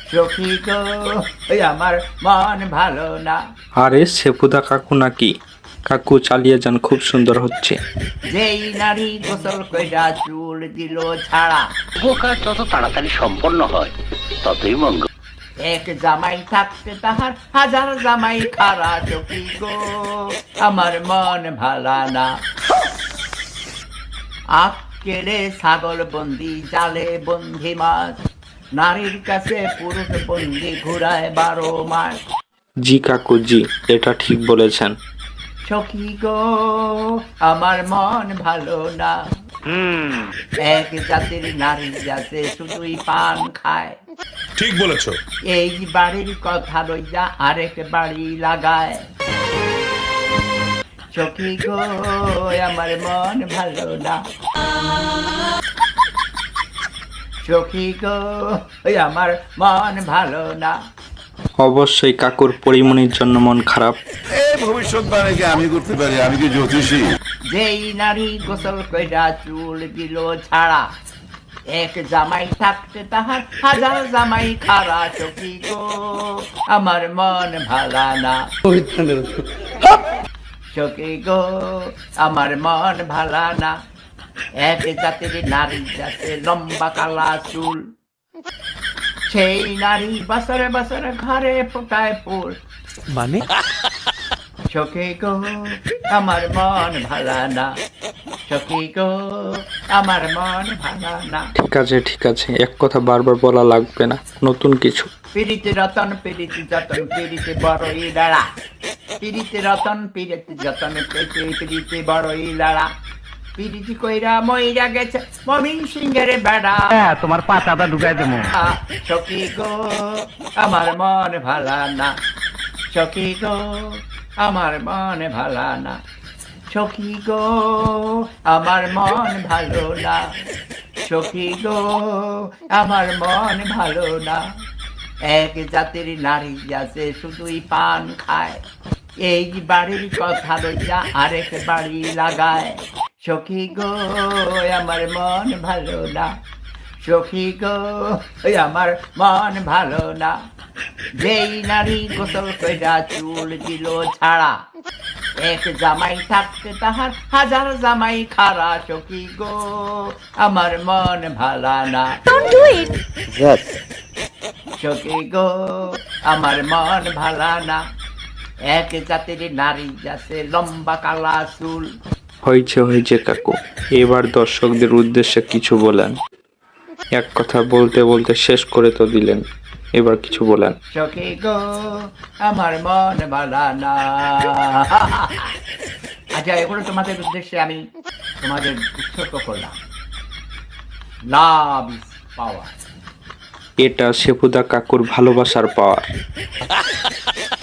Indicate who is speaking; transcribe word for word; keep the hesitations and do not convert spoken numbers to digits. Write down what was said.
Speaker 1: সখী গো ওই আমার মন ভালো না।
Speaker 2: আরে সেপুদা কাকু নাকি? কাকু চালিয়ে যান, খুব সুন্দর হচ্ছে।
Speaker 1: যেই নারী গোসল কইরা চুল দিল ছাড়া,
Speaker 3: শুভ কাজ যত তাড়াতাড়ি সম্পন্ন হয় ততই মঙ্গল।
Speaker 1: এক জামাই থাকতে তাহার হাজার জামাই খারা। সখী গো আমার মন ভালা না। আখ কেড়ে ছাগল বন্দি, জালে বন্দি মাছ, নারীর কাছে পুরুষ বন্দি ঘুরায় বারো মাস।
Speaker 2: জি কাকু জি, এটা ঠিক বলেছেন।
Speaker 1: সখী গো আমার মন ভালো না। এক জাতির নারী আছে শুধুই পান খায়,
Speaker 4: ঠিক বলেছো।
Speaker 1: এই বাড়ির কথা লইয়া আরেক বাড়ি লাগায়। সখী গো আমার মন ভালো না। সখী গো আমার মন ভালো না।
Speaker 2: অবশ্যই কাকুর পরিমণির জন্য মন খারাপ।
Speaker 4: এই ভবিষ্যৎবাণী কি আমি করতে পারি? আমি কি জ্যোতিষী?
Speaker 1: যেই নারী গোসল কইরা চুল দিল ছাড়া, এক জামাই থাকতে তাহার হাজার জামাই খারা। সখী গো আমার মন ভালা না। সখী গো আমার মন ভালা না। এক জাতির নারী যাতে লম্বা কালা চুল, সেই নারী বছরে বছরে ঘরে ফোটায় ফুল।
Speaker 5: মানে
Speaker 1: সখী গো আমার মন ভালা না। সখী গো আমার মন ভালা না।
Speaker 2: ঠিক আছে ঠিক আছে, এক কথা বারবার বলা লাগবে না, নতুন কিছু।
Speaker 1: পিড়িতে রতন পিড়িতে যতন পিড়িতে বড়ই লড়া। পিড়িতে রতন পিড়িতে যতন পেতে পিড়িতে বড়ই লড়া। পিড়িতি কইরা মইরা গেছে মমিন সিংহের বেড়া।
Speaker 3: তোমার পাতাটা ঢুকাই দেবো।
Speaker 1: সখী গো আমার মন ভালা না। সখী গো আমার মন ভালা না। সখী গো আমার মন ভালো না। সখী গো আমার মন ভালো না। এক জাতির নারী আছে শুধুই পান খায়, এই বাড়ির কথা লইয়া আরেক বাড়ি লাগায়। সখী গো আমার মন ভালো না। সখী গো আমার মন ভালো না। যেই নারী গোসল কইরা চুল দিল ছাড়া, এক জামাই থাকতে তাহার হাজার জামাই খারা। সখী গো আমার মন ভালা না। সখী গো আমার মন ভালা না। এক জাতির নারী আছে লম্বা কালা চুল।
Speaker 2: হয়েছে হয়েছে কাকু, এবার দর্শকদের উদ্দেশ্যে কিছু বলেন। এক কথা বলতে বলতে শেষ করে তো দিলেন, এবার কিছু বলেন।
Speaker 1: সখী গো আমার মন ভালা না। আচ্ছা এগুলো তোমাদের উদ্দেশ্যে আমি তোমাদের উৎসর্গ করলাম। Love is power.
Speaker 2: এটা সেপুদা কাকুর ভালোবাসার পাওয়ার।